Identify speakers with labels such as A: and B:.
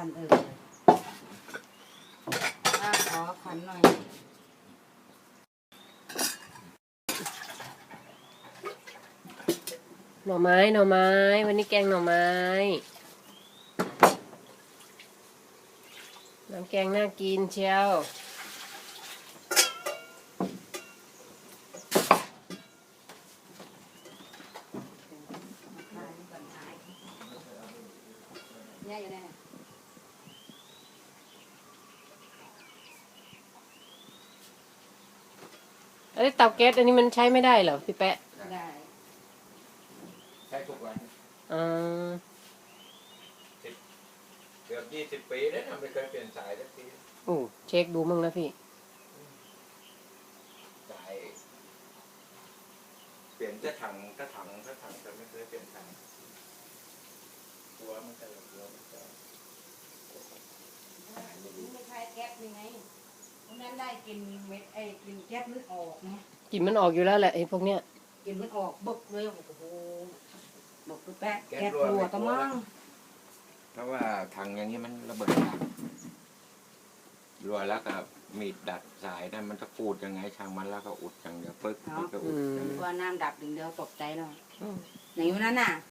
A: คันขอขันหน่อย
B: หน่อไม้วันนี้แกงหน่อไม้น้ำแกงน่ากินเชียว
A: เนี่ยอยู่เนี่ย
B: เตาแก๊สอันนี้มันใช้ไม่ได้เหรอพี่แปะ
A: ได้
C: ใช้ทุกวันเกือบ20 ปีแล้วนะไม่เคยเปลี่ยนสายสักที
B: โอ้เช็คดูมั่งนะพี่
C: สายเปลี่ยนจะถังก็ไม่เคยเปลี่ยนสายตัวมันก็เลยตัวมันก็
A: ไม่ใช่แก๊สยังไงวันนั้นได้กินเม็ดกินแก๊สมันออกไง
B: กลิ่นมันออกอยู่แล้วแหละไอ้พวกเนี้ย
A: กินมันออกบึกเลยโอ้โหบอกคือแป๊ะแก๊สรัวตะมั่ง
C: เพราะว่าถังอย่างนี้มันระเบิดรัวแล้วก็มีดดัดสายนั่นมันจะฟูดยังไงช่างมันแล้วก็อุดอย่างเดียวปึ๊กก็อุด
A: ว่าน้ำดับถึงเดียวตกใจแล้วอย่างนั้นน่ะ